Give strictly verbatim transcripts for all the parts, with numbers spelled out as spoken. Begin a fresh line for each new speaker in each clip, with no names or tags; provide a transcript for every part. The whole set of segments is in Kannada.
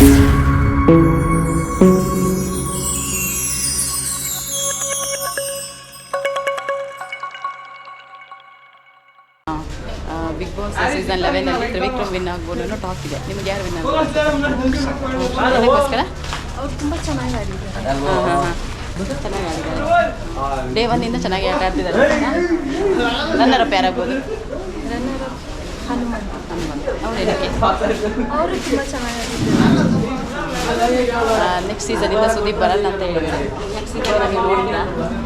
ಬಿಗ್ ಬಾಸ್ ಸೀಸನ್ ಲೆವೆನಲ್ಲಿ ತ್ರಿವಿಕ್ರಮ್ ವಿನ್ ಆಗ್ಬೋದು ಅನ್ನೋ ಟಾಕ್ ಇದೆ. ನಿಮ್ಗೆ ಯಾರು ವಿನ್ ಆಗ್ಬೋದು? ಅದಕ್ಕೋಸ್ಕರ
ಅವ್ರು ತುಂಬ ಚೆನ್ನಾಗಿ ಆಡಿದ್ದಾರೆ.
ಹಾಂ ಹಾಂ ಹಾಂ ಚೆನ್ನಾಗಿ ಆಡಿದ್ದಾರೆ. ಡೇ ಒನ್ನಿಂದ ಚೆನ್ನಾಗಿ ಆಟ ಆಡ್ತಿದ್ದಾರೆ. ರನ್ನರ್ ಅಪ್ ಯಾರಾಗ್ಬೋದು?
ರನ್ನರ್ ಹನುಮಂತ
ಹನುಮಂತ ಅವ್ರು ಏನಕ್ಕೆ?
ಅವರು ತುಂಬ ಚೆನ್ನಾಗಿ ಆಡಿದ್ದಾರೆ.
ನೆಕ್ಸ್ಟ್ ಸೀಸನಿಂದ ಸುದೀಪ್ ಬರಲ್ಲ ಅಂತ ಹೇಳಿದ್ದಾರೆ. ನೆಕ್ಸ್ಟ್ ಸೀಸನ್ ನೀವು ನೋಡಿದ್ರಾ?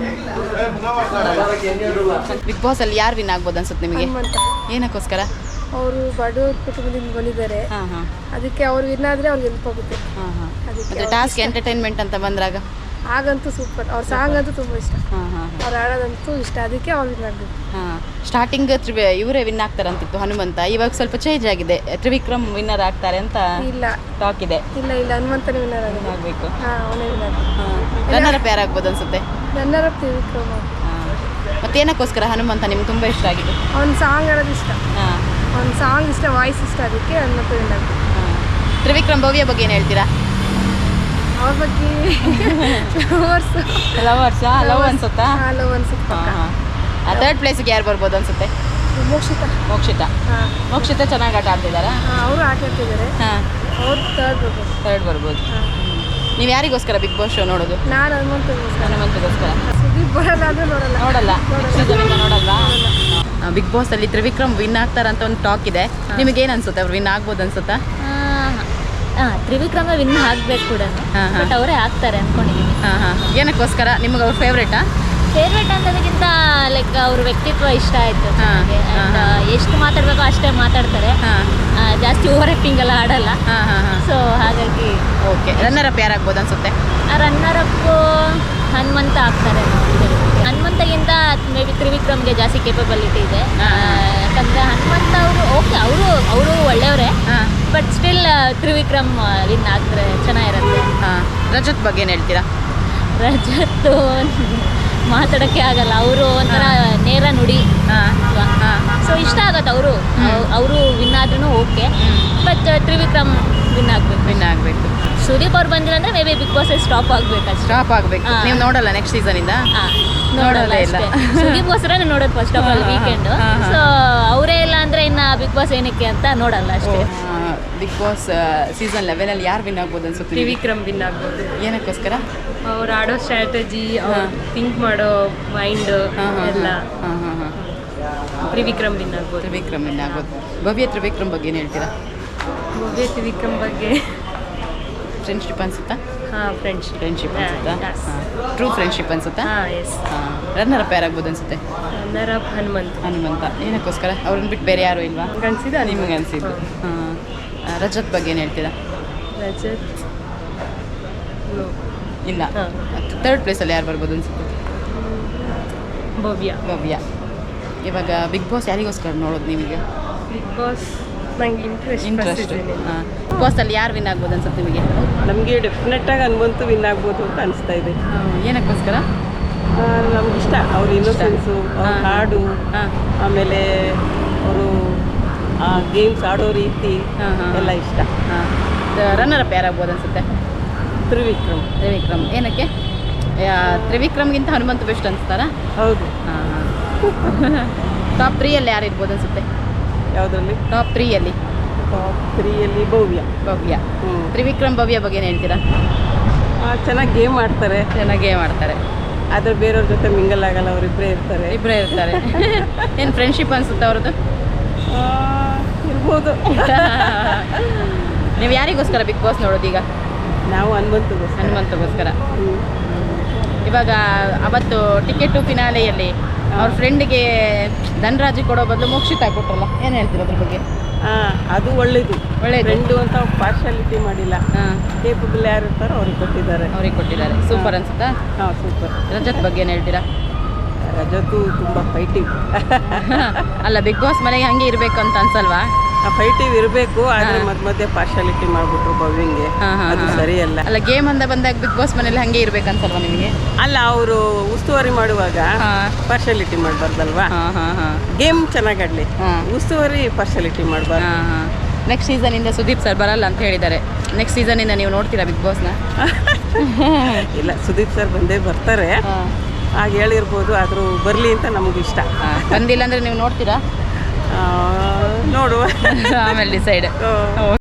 ಬಿಗ್ ಬಾಸ್ ಅಲ್ಲಿ ಯಾರು ವಿನ್ ಆಗ್ಬೋದು ಅನ್ಸುತ್ತೆ ನಿಮಗೆ?
ಹನುಮಂತ.
ಏನಕ್ಕೋಸ್ಕರ?
ಅವರು ಬಡವ್ರ ಕುಟುಂಬದಿಂದ ಬಂದಿದ್ದಾರೆ.
ಹಾಂ ಹಾಂ
ಅದಕ್ಕೆ ಅವ್ರು ವಿನ್ ಆದರೆ ಅವ್ರಿಗೆ ಹೆಲ್ಪ್ ಆಗುತ್ತೆ.
ಹಾಂ ಹಾಂ
ಅದಕ್ಕೆ
ಮತ್ತು ಟಾಸ್ಕ್ ಎಂಟರ್ಟೈನ್ಮೆಂಟ್ ಅಂತ ಬಂದಾಗ
ಆಗಂತೂ ಸೂಪರ್. ಅವ್ರ ಸಾಂಗ್ ಅಂತೂ ತುಂಬ ಇಷ್ಟ.
ಹಾಂ ಹಾಂ
ಅವ್ರು ಆಡೋದಂತೂ ಇಷ್ಟ. ಅದಕ್ಕೆ ಅವ್ರು ವಿನ್ ಆಗಬೇಕು.
ಹಾಂ ಸ್ಟಾರ್ಟಿಂಗ್ ತ್ರಿವಿ ಇವರೇ ವಿನ್ ಆಗ್ತಾರಂತಿತ್ತು ಹನುಮಂತ. ಇವಾಗ ಸ್ವಲ್ಪ ಚೇಂಜ್ ಆಗಿದೆ, ತ್ರಿವಿಕ್ರಮ್ ವಿನ್ನರ್ ಆಗ್ತಾರೆ ಅಂತ
ಇಲ್ಲ
ಟಾಕ್ ಇದೆ.
ಇಲ್ಲ ಇಲ್ಲ ಹನುಮಂತನೇ ವಿನ್ನರ್ ಆಗೋದು.
ಆಗಬೇಕು.
ಹಾಂ ಅವನೇ ವಿನ್ನರ್.
ಹಾಂ ರನ್ನರ್ ಅಪ್ ಯಾರಾಗ್ಬೋದು ಅನ್ಸುತ್ತೆ?
Runner up Trivikram.
ಹಾಂ ಮತ್ತೇನಕ್ಕೋಸ್ಕರ ಹನುಮಂತ ನಿಮ್ಗೆ ತುಂಬ ಇಷ್ಟ ಆಗಿದೆ?
ಅವ್ನ ಸಾಂಗ್ ಆಡೋದು ಇಷ್ಟ.
ಹಾಂ
ಅವ್ನ ಸಾಂಗ್ ಇಷ್ಟ, ವಾಯ್ಸ್ ಇಷ್ಟ. ಅದಕ್ಕೆ ಹನುಮಂತ ವಿನ್ ಆಗಬೇಕು.
ಹಾಂ ತ್ರಿವಿಕ್ರಮ್ ಭವ್ಯ ಬಗ್ಗೆ ಏನು ಹೇಳ್ತೀರಾ?
ಅವ್ರ ಬಗ್ಗೆ ಲವರ್ಸ್
ಲವರ್ಸ್ ಲವ್ ಅನ್ಸುತ್ತಾ?
ಹಾಂ ಲವ್ ಅನ್ಸುತ್ತೆ.
ಹಾಂ ಹಾಂ ಥರ್ಡ್ ಪ್ಲೇಸಿಗೆ ಯಾರು ಬರ್ಬೋದು ಅನ್ಸುತ್ತೆ?
ಮೋಕ್ಷಿತ.
ಮೋಕ್ಷಿತ.
ಹಾಂ
ಮೋಕ್ಷಿತ ಚೆನ್ನಾಗಿ ಆಟ ಆಡ್ತಿದ್ದಾರಾ?
ಹಾಂ ಅವರು ಆಟ ಆಡ್ತಿದ್ದಾರೆ.
ಹಾಂ
ಅವ್ರು ಥರ್ಡ್ ಬರ್ಬೋದು.
ಥರ್ಡ್ ಬರ್ಬೋದು.
ಹಾಂ
ನೀವು ಯಾರಿಗೋಸ್ಕರ ಬಿಗ್ ಬಾಸ್ ಶೋ ನೋಡೋದು?
ನಾನು ಹನುಮಂತಗೋಸ್ಕರ.
ಹನುಮಂತಗೋಸ್ಕರ.
ಸುದೀಪ್ ಬರಲ್ಲ ಅಂದರೆ ನೋಡಲ್ಲ.
ನೋಡಲ್ಲ ಸೀಸನಿಂದ ನೋಡಲ್ವಾ? ಬಿಗ್ ಬಾಸ್ ಅಲ್ಲಿ ತ್ರಿವಿಕ್ರಮ್ ವಿನ್ ಆಗ್ತಾರಂತ ಒಂದು ಟಾಕ್ ಇದೆ. ನಿಮಗೆ ಏನು ಅನ್ಸುತ್ತೆ? ಅವ್ರು ವಿನ್ ಆಗ್ಬೋದು ಅನ್ಸುತ್ತಾ?
ಹಾಂ ತ್ರಿವಿಕ್ರಮ ವಿನ್ ಆಗಬೇಕು ಕೂಡ.
ಹಾಂ ಹಾಂ
ಬಟ್ ಅವರೇ ಆಗ್ತಾರೆ ಅಂದ್ಕೊಂಡಿದ್ದೀನಿ.
ಹಾಂ ಹಾಂ ಏನಕ್ಕೋಸ್ಕರ? ನಿಮಗೆ ಅವ್ರ ಫೇವ್ರೇಟಾ?
ಫೇವ್ರೇಟ್ ಅನ್ನೋದಕ್ಕಿಂತ ಲೈಕ್ ಅವ್ರ ವ್ಯಕ್ತಿತ್ವ ಇಷ್ಟ ಆಯಿತು
ಹಾಂ,
ನನಗೆ.
ಹಾಂ,
ಆ್ಯಂಡ್ ಎಷ್ಟು ಮಾತಾಡಬೇಕೋ ಅಷ್ಟೇ ಮಾತಾಡ್ತಾರೆ.
ಹಾಂ
ಆ, ಜಾಸ್ತಿ ಓವರ್ ಆ್ಯಕ್ಟಿಂಗ್ ಎಲ್ಲ ಆಡಲ್ಲ.
ಹಾಂ ಹಾಂ ಹಾಂ
ಸೊ ಹಾಗಾಗಿ
ಓಕೆ. ರನ್ನರ್ ಅಪ್ ಯಾರಾಗ್ಬೋದು ಅನ್ಸುತ್ತೆ?
ರನ್ನರ್ ಅಪ್ಪು ಹನುಮಂತ ಆಗ್ತಾರೆ ಅಂತ ಹೇಳ್ತೀನಿ. ಹನುಮಂತಗಿಂತ ಮೇ ಬಿ ತ್ರಿವಿಕ್ರಮ್ಗೆ ಜಾಸ್ತಿ ಕೇಪಬಿಲಿಟಿ ಇದೆ. ಆ, ಯಾಕಂದರೆ ಹನುಮಂತ ಅವರು ಓಕೆ ಅವರು ಅವರು ಒಳ್ಳೆಯವರೇ.
ಹಾಂ
ಬಟ್ ಸ್ಟಿಲ್ ತ್ರಿವಿಕ್ರಮ್ ವಿನ್ ಆಗ್ತಾರೆ ಚೆನ್ನಾಗಿರುತ್ತೆ.
ಹಾಂ ರಜತ್ ಬಗ್ಗೆ ಏನು ಹೇಳ್ತೀರಾ?
ರಜತ್ತು ಮಾತಾಡೋಕ್ಕೆ ಆಗಲ್ಲ. ಅವರು ಒಂಥರ ನೇರ ನುಡಿ.
ಹಾಂ ಹಾಂ
ಸೊ ಇಷ್ಟ ಆಗತ್ತೆ ಅವರು ಅವರು ವಿನ್ ಆದ್ರೂ ಓಕೆ. ಬಟ್ ತ್ರಿವಿಕ್ರಮ್ ವಿನ್ ಆಗಬೇಕು.
ವಿನ್ ಆಗಬೇಕು.
ಸುದೀಪ್ ಅವ್ರು ಬಂದಿಲ್ಲ ಅಂದರೆ maybe Bigg Boss stop ಆಗಬೇಕು ಅಷ್ಟೇ.
ಸ್ಟಾಪ್ ಆಗಬೇಕು.
ಹಾಂ.
ನೀವು ನೋಡಲ್ಲ ನೆಕ್ಸ್ಟ್ ಸೀಸನಿಂದ?
ಹಾಂ
ನೋಡೋದೇ
ನೋಡೋದೇ
ಇಲ್ಲ.
ಇಲ್ಲ. ಸುದೀಪ್ಗೋಸ್ಕರ ನೋಡೋದು ಫಸ್ಟ್ ಆಫ್ ಆಲ್
ಹಾಂ, ಹಾಂ,
ವೀಕೆಂಡು.
ಹಾಂ, ಹಾಂ.
ಸೊ ಅವರೇ ಇಲ್ಲ ಅಂದರೆ ಇನ್ನು ಬಿಗ್ ಬಾಸ್ ಏನಕ್ಕೆ ಅಂತ ನೋಡಲ್ಲ ಅಷ್ಟೇ.
ಬಿಗ್ ಬಾಸ್ ಸೀಸನ್ ಲೆವೆನಲ್ಲಿ ಯಾರು ವಿನ್ ಆಗ್ಬೋದು ಅನ್ಸುತ್ತೆ?
ತ್ರಿವಿಕ್ರಮ್ ವಿನ್ ಆಗ್ಬೋದು.
ಏನಕ್ಕೋಸ್ಕರ?
ಅವ್ರು ಆಡೋ ಸ್ಟ್ರಾಟಜಿ, ಅವ್ರು
ಹಾಂ.
ಥಿಂಕ್ ಮಾಡೋ ಮೈಂಡ್
ಹಾಂ ಹಾಂ
ಎಲ್ಲ
ಹಾಂ ಹಾಂ ಹಾಂ
ತ್ರಿವಿಕ್ರಮ್ ವಿನ್ ಆಗ್ಬೋದು.
ತ್ರಿವಿಕ್ರಮ್ ವಿನ್ ಆಗೋದು. ಭವ್ಯ ತ್ರಿವಿಕ್ರಮ್ ಬಗ್ಗೆ ಏನು ಹೇಳ್ತೀರಾ?
ಭವ್ಯ ತ್ರಿವಿಕ್ರಮ್ ಬಗ್ಗೆ
ಫ್ರೆಂಡ್ಶಿಪ್ ಅನ್ಸುತ್ತಾ?
ಹಾಂ ಫ್ರೆಂಡ್ಶಿಪ್
ಫ್ರೆಂಡ್ಶಿಪ್ ಅನ್ಸುತ್ತಾ?
yes.
ಹಾಂ ಟ್ರೂ ಫ್ರೆಂಡ್ಶಿಪ್ ಅನ್ಸುತ್ತಾ?
ಹಾಂ ಎಸ್.
ಹಾಂ ರನ್ನರ್ ಅಪ್ ಯಾರಾಗ್ಬೋದು ಅನ್ಸುತ್ತೆ?
Runner up Hanumanth.
ಹನುಮಂತ. ಏನಕ್ಕೋಸ್ಕರ? ಅವ್ರನ್ನ ಬಿಟ್ಟು ಬೇರೆ ಯಾರು ಇಲ್ವಾ?
ಅನ್ಸಿದ
ನಿಮಗೆ ಅನಿಸಿದ್ದು. ಹಾಂ ರಜತ್ ಬಗ್ಗೆ ಏನು ಹೇಳ್ತೀರಾ?
ರಜತ್ no.
ಇಲ್ಲ.
ಹಾಂ.
ಥರ್ಡ್ ಪ್ಲೇಸಲ್ಲಿ ಯಾರು ಬರ್ಬೋದು ಅನ್ಸುತ್ತೆ?
ಭವ್ಯ.
ಭವ್ಯ. ಇವಾಗ ಬಿಗ್ ಬಾಸ್ ಯಾರಿಗೋಸ್ಕರ ನೋಡೋದು ನೀವೀಗ?
ಬಿಗ್ ಬಾಸ್ ನಂಗೆ ಇಂಟ್ರೆಸ್ಟ್
ಇಂಟ್ರೆಸ್ಟ್. ಹಾಂ ಬಿಗ್ ಬಾಸಲ್ಲಿ ಯಾರು ವಿನ್ ಆಗ್ಬೋದು ಅನ್ಸುತ್ತೆ ನಿಮಗೆ?
ನಮಗೆ ಡೆಫಿನೆಟ್ಟಾಗಿ ಹನುಮಂತು ವಿನ್ ಆಗ್ಬೋದು ಅಂತ ಅನಿಸ್ತಾ ಇದೆ.
ಏನಕ್ಕೋಸ್ಕರ?
ನಮ್ಗೆ ಇಷ್ಟ ಅವ್ರ ಇನ್ನೋಸೆನ್ಸು, ಅವ್ರ
ಹಾಂ.
ಹಾಡು,
ಹಾಂ
ಆಮೇಲೆ ಅವರು ಗೇಮ್ಸ್ ಆಡೋ ರೀತಿ
ಹಾಂ, ಹಾಂ.
ಎಲ್ಲ ಇಷ್ಟ.
ಹಾಂ ರನ್ನರ್ ಅಪ್ ಯಾರಾಗ್ಬೋದು ಅನ್ಸುತ್ತೆ?
ತ್ರಿವಿಕ್ರಮ್.
ತ್ರಿವಿಕ್ರಮ್. ಏನಕ್ಕೆ? ಯಾ- ತ್ರಿವಿಕ್ರಮ್ಗಿಂತ ಹನುಮಂತ ಬೆಸ್ಟ್ ಅನ್ಸ್ತಾರಾ?
ಹೌದು.
ಹಾಂ ಹಾಂ ಟಾಪ್ ತ್ರೀಯಲ್ಲಿ ಯಾರು ಇರ್ಬೋದು ಅನ್ಸುತ್ತೆ?
ಯಾವುದರಲ್ಲಿ?
ಟಾಪ್ ತ್ರೀಯಲ್ಲಿ
ಟಾಪ್ ತ್ರೀಯಲ್ಲಿ ಭವ್ಯ.
ಭವ್ಯ.
ಹ್ಞೂ
ತ್ರಿವಿಕ್ರಮ್ ಭವ್ಯ ಬಗ್ಗೆ ಏನು ಹೇಳ್ತೀರಾ?
ಚೆನ್ನಾಗಿ ಗೇಮ್ ಆಡ್ತಾರೆ.
ಚೆನ್ನಾಗೇ ಮಾಡ್ತಾರೆ.
ಆದರೆ ಬೇರೆಯವ್ರ ಜೊತೆ ಮಿಂಗಲ್ ಆಗಲ್ಲ, ಅವರಿಬ್ಬರೇ ಇರ್ತಾರೆ.
ಇಬ್ಬರೇ ಇರ್ತಾರೆ. ಏನು ಫ್ರೆಂಡ್ಶಿಪ್ ಅನ್ಸುತ್ತೆ ಅವ್ರದ್ದು?
ಆ, ಇರ್ಬೋದು.
ನೀವು ಯಾರಿಗೋಸ್ಕರ ಬಿಗ್ ಬಾಸ್ ನೋಡೋದು ಈಗ?
ನಾವು ಹನುಮಂತಗೋಸ್ಕರ.
ಹನುಮಂತಗೋಸ್ಕರ.
ಹ್ಞೂ
ಇವಾಗ ಅವತ್ತು ಟಿಕೆಟು ಫಿನಾಲೆಯಲ್ಲಿ ಅವ್ರ ಫ್ರೆಂಡಿಗೆ ಧನರಾಜಿ ಕೊಡೋ ಬದಲು ಮೋಕ್ಷಿತ ಕೊಟ್ರಲ್ಲ, ಏನು ಹೇಳ್ತೀರ ಅದ್ರ ಬಗ್ಗೆ?
ಹಾಂ ಅದು ಒಳ್ಳೇದು.
ಒಳ್ಳೇದು.
ಫ್ರೆಂಡು ಅಂತ ಪಾರ್ಶಾಲಿಟಿ ಮಾಡಿಲ್ಲ.
ಹಾಂ
ಕೇಪಬಲ್ ಯಾರು ಇರ್ತಾರೋ ಅವ್ರಿಗೆ ಕೊಟ್ಟಿದ್ದಾರೆ.
ಅವ್ರಿಗೆ ಕೊಟ್ಟಿದ್ದಾರೆ. ಸೂಪರ್ ಅನ್ಸುತ್ತಾ?
ಹಾಂ ಸೂಪರ್.
ರಜತ್ ಬಗ್ಗೆ ಏನು ಹೇಳ್ತೀರಾ?
ರಜತು ತುಂಬ ಫೈಟಿವ್.
ಅಲ್ಲ ಬಿಗ್ ಬಾಸ್ ಮನೆಗೆ ಹಂಗೆ ಇರಬೇಕು ಅಂತ ಅನ್ಸಲ್ವಾ?
ಫೈಟಿವ್ ಇರಬೇಕು, ಆದರೆ ಮಧ್ಯ ಮಧ್ಯೆ ಪಾರ್ಶಾಲಿಟಿ ಮಾಡಿಬಿಟ್ರು ಭವ್ಯಂಗೆ.
ಹಾಂ ಹಾಂ
ಅದು ಸರಿಯಲ್ಲ.
ಅಲ್ಲ ಗೇಮ್ ಅಂದ ಬಂದಾಗ ಬಿಗ್ ಬಾಸ್ ಮನೇಲಿ ಹಂಗೆ ಇರ್ಬೇಕನ್ಸಲ್ವಾ ನಿಮಗೆ?
ಅಲ್ಲ ಅವರು ಉಸ್ತುವಾರಿ ಮಾಡುವಾಗ
ಹಾಂ
ಪಾರ್ಶಾಲಿಟಿ ಮಾಡಬಾರ್ದಲ್ವಾ?
ಹಾಂ ಹಾಂ ಹಾಂ
ಗೇಮ್ ಚೆನ್ನಾಗಿ ಆಡಲಿ,
ಹಾಂ
ಉಸ್ತುವಾರಿ ಪಾರ್ಶಾಲಿಟಿ ಮಾಡಬಾರ್ದು.
ಹಾಂ ಹಾಂ ನೆಕ್ಸ್ಟ್ ಸೀಸನಿಂದ ಸುದೀಪ್ ಸರ್ ಬರಲ್ಲ ಅಂತ ಹೇಳಿದ್ದಾರೆ. ನೆಕ್ಸ್ಟ್ ಸೀಸನಿಂದ ನೀವು ನೋಡ್ತೀರಾ ಬಿಗ್ ಬಾಸ್ನ?
ಇಲ್ಲ, ಸುದೀಪ್ ಸರ್ ಬಂದೇ ಬರ್ತಾರೆ, ಹಾಗೆ ಹೇಳಿರ್ಬೋದು. ಆದರೂ ಬರಲಿ ಅಂತ ನಮಗೂ ಇಷ್ಟ.
ಬಂದಿಲ್ಲ ಅಂದರೆ ನೀವು ನೋಡ್ತೀರಾ?
ನೋಡುವ
ಆಮೇಲೆ ಡಿಸೈಡ್.